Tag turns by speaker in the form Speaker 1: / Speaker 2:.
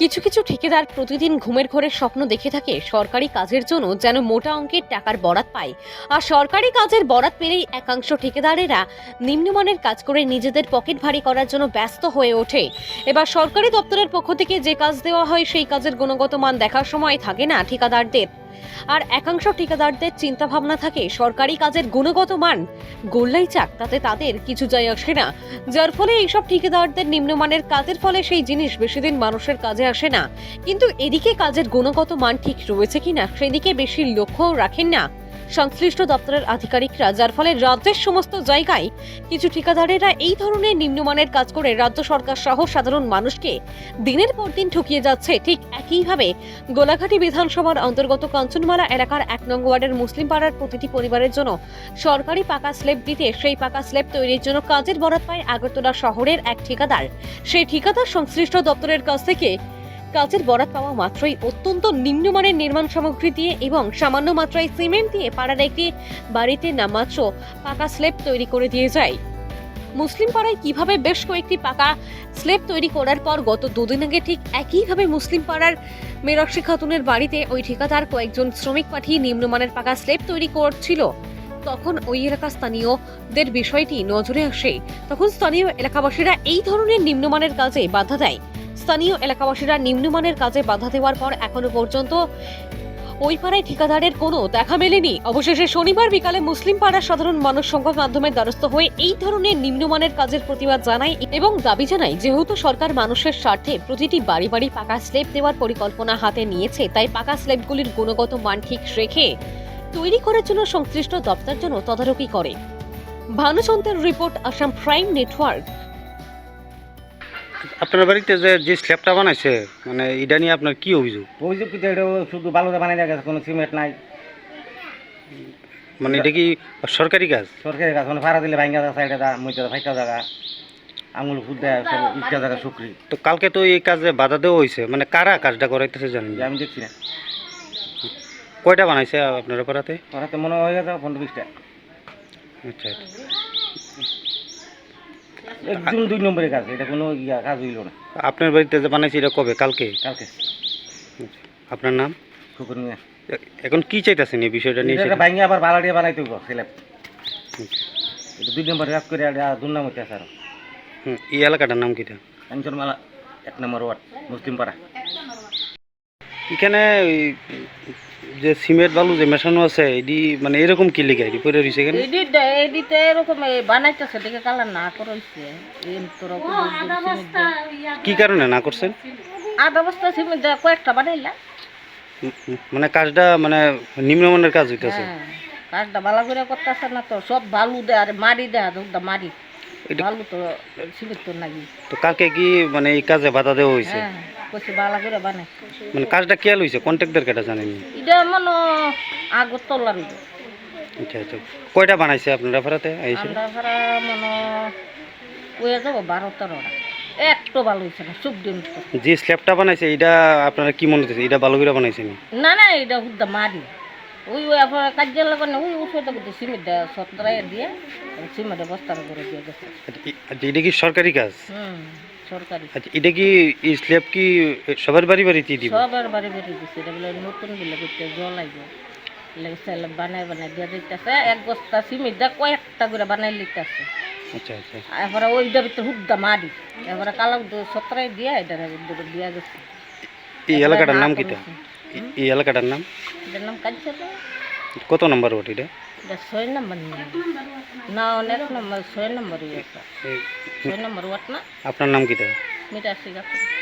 Speaker 1: কিছু কিছু ঠিকাদার প্রতিদিন ঘুমের ঘোরে স্বপ্ন দেখে থাকে সরকারি কাজের জন্য যেন মোটা অঙ্কের টাকার বরাত পায়। আর সরকারি কাজের বরাত পেলেই একাংশ ঠিকাদারেরা নিম্নমানের কাজ করে নিজেদের পকেট ভারী করার জন্য ব্যস্ত হয়ে ওঠে। এবার সরকারি দপ্তরের পক্ষ থেকে যে কাজ দেওয়া হয় সেই কাজের গুণগত মান দেখার সময় থাকে না ঠিকাদারদের। আর একাংশ ঠিকাদারদের চিন্তা ভাবনা থাকে সরকারি কাজের গুণগত মান গোল্লাই চাক, তাতে তাদের কিছু যায় আসে না, যার ফলে এইসব ঠিকাদারদের নিম্নমানের কাজের ফলে সেই জিনিস বেশিদিন মানুষের কাজে আসে না। কিন্তু এদিকে কাজের গুণগত মান ঠিক রয়েছে কিনা সেদিকে বেশি লক্ষ্য রাখেন না সংশ্লিষ্ট দপ্তরের আধিকারিকরা, যার ফলে রাজ্যের সমস্ত জায়গায় কিছু ঠিকাদারেরা এই ধরনের নিম্নমানের কাজ করে রাজ্য সরকার সহ সাধারণ মানুষকে দিনের পর দিন ঠকিয়ে যাচ্ছে। ঠিক একইভাবে গোলাঘাটি বিধানসভার অন্তর্গত কাঞ্চনমালা এলাকার 1 নং ওয়ার্ডের মুসলিম পাড়ার প্রতিটি পরিবারের জন্য সরকারি পাকা স্ল্যাব দিতে সেই পাকা স্ল্যাব তৈরির জন্য কাজের বরাত পায় আগরতলা শহরের এক ঠিকাদার। সেই ঠিকাদার সংশ্লিষ্ট দপ্তরের কাছ থেকে কাজের বরাত পাওয়া মাত্রই অত্যন্ত নিম্নমানের নির্মাণ সামগ্রী দিয়ে এবং সামান্য মাত্রায় সিমেন্ট দিয়ে পাড়ার একটি বাড়িতে নামাত্র পাকা স্ল্যাব তৈরি করে দিয়ে যায়। মুসলিম পাড়ায় কিভাবে বেশ কয়েকটি পাকা স্ল্যাব তৈরি করার পর গত দুদিন আগে ঠিক একইভাবে মুসলিম পাড়ার মেরাক্সি খাতুনের বাড়িতে ওই ঠিকাদার কয়েকজন শ্রমিক পাঠিয়ে নিম্নমানের পাকা স্ল্যাব তৈরি করছিল, তখন ওই এলাকার স্থানীয়দের বিষয়টি নজরে আসে। তখন স্থানীয় এলাকাবাসীরা এই ধরনের নিম্নমানের কাজে বাধা দেয়। স্থানীয় এলাকাবাসীরা নিম্নমানের কাজে বাধা দেওয়ার পর এখনো পর্যন্ত ওই পাড়ায় ঠিকাদারের কোনো দেখা মেলেনি। অবশেষে শনিবার বিকালে মুসলিম পাড়ার সাধারণ মানুষ সংবাদ মাধ্যমের দ্বারস্থ হয়ে এই ধরনের নিম্নমানের কাজের প্রতিবাদ জানায় এবং দাবি জানায়, যেহেতু সরকার মানুষের স্বার্থে প্রতিটি বাড়ি বাড়ি পাকা স্ল্যাব দেওয়ার পরিকল্পনা হাতে নিয়েছে, তাই পাকা স্ল্যাবগুলির গুণগত মান ঠিক রেখে তৈরি করার জন্য সংশ্লিষ্ট দপ্তর যেন তদারকি করে। ভানুচন্দ্রের রিপোর্ট, আসাম প্রাইম নেটওয়ার্ক।
Speaker 2: আপনার বাড়িতে যে স্ল্যাবটা বানাইছে মানে এটা নিয়ে আপনার কি অভিযোগ?
Speaker 3: অভিযোগ কিন্তু এটা শুধু বালুতে বানাই দেওয়া গেছে, কোনো সিমেন্ট নাই।
Speaker 2: মানে এটা কি সরকারি কাজ?
Speaker 3: সরকারি কাজ, মানে ভাড়া দিলে ভাঙ্গা জায়গা, সাইডে দা মধ্যে ফাইটা জায়গা, আঙুল ফুট দেয় সব ইটটা জায়গা শুকরি।
Speaker 2: তো কালকে তো এই কাজে বাধা দেওয়া হয়েছে, মানে কারা কাজটা করাইতেছে জানেন?
Speaker 3: আমি দেখছি না।
Speaker 2: কয়টা বানাইছে আপনারা পাড়াতে?
Speaker 3: ওরাতে মনে হয়ে গেছে 15-20টা।
Speaker 2: আচ্ছা,
Speaker 3: একদম 2 নম্বরের কাজ, এটা কোনো কাজ হইল না।
Speaker 2: আপনার বাড়িতে যে বানাইছে এটা কবে? কালকে?
Speaker 3: কালকে।
Speaker 2: আপনার নাম?
Speaker 3: শুকুর মিয়া।
Speaker 2: এখন কি চাইতেছেন এই বিষয়টা নিয়ে?
Speaker 3: এটা ভাঙ্গা আবার বালা দিয়ে বানাইতে হইব স্ল্যাব। এটা 2 নম্বরের কাজ করে দুর্নাম হইতে আছে। আর
Speaker 2: এই এলাকাটার নাম কিটা?
Speaker 3: কাঞ্চনমালা 1 নম্বর ওয়ার্ড, মুসলিম পাড়া।
Speaker 2: এখানে যে সিমেন্ট বালু যে মেশানো আছে এডি মানে এরকম কি লিখে এডি পড়ে রইছে কেন?
Speaker 4: এডিতে এরকম বানাইতেছে দেখে কালার না করইছে।
Speaker 2: কি কারণে না করছেন?
Speaker 4: আধা বস্তা সিমেন্ট কয়েকটা বানাইলা।
Speaker 2: মানে কাজটা মানে নিম্নমানের কাজ হইতেছে।
Speaker 4: কাজটা ভালো করে করতেছে না তো, সব বালু দেয় আর মারি দেয়, মারি বালু তো সিমেন্ট তো নাই।
Speaker 2: তো কালকে কি মানে এই কাজে বাধা দেওয়া হয়েছে?
Speaker 4: কইছে ভালো করে বানাই।
Speaker 2: মানে কাজটা কেয়াল হয়েছে, কন্ট্রাক্টর কেটা জানেননি?
Speaker 4: এটা মনে আগরতলার।
Speaker 2: আচ্ছা আচ্ছা, কয়টা বানাইছে আপনারা ভাড়াতে?
Speaker 4: আমরা ভাড়া মনে কয়ে যাবো 12-13টা। একটু ভালো হয়েছে না, সব দিন
Speaker 2: যে স্ল্যাবটা বানাইছে এটা আপনারা কি মনে হচ্ছে এটা ভালো করে বানাইছেন?
Speaker 4: না না, এটা হুদ্দা মারি ওই আপনার কাজের লাগে না, ওই ওষুধটা কিন্তু সিমেন্ট সত্তরাই দিয়ে সিমেন্টের বস্তার করে দিয়ে গেছে।
Speaker 2: আচ্ছা, এটা কি সরকারি কাজ?
Speaker 4: সরকারি।
Speaker 2: আচ্ছা, এটা কি এই স্ল্যাব কি সবার বাড়ি বাড়িতে দিব?
Speaker 4: সবার বাড়ি বাড়ি দিচ্ছে। এটা বলে নতুন বলে করতে জল লাগবে, বানাই বানাই দিয়ে দিতেছে। 1 বস্তা সিমেন্ট দিয়ে কয়েকটা করে বানাই লিখতেছে।
Speaker 2: আচ্ছা আচ্ছা,
Speaker 4: এরপরে ওইটার ভিতরে হুদ্দা মারি, এরপরে কালো সত্তরাই দিয়ে এটা দিয়ে গেছে।
Speaker 2: এই এলাকাটার নাম কিটা? এই এলাকাটার নাম?
Speaker 4: এটার নাম কাজ।
Speaker 2: কত নম্বর ওট এটা?
Speaker 4: 6 নম্বর না, অনেক নম্বর, 6 নম্বর 6 নম্বর ওয়াট না।
Speaker 2: আপনার নাম কিটা?
Speaker 4: মিটার শিখা।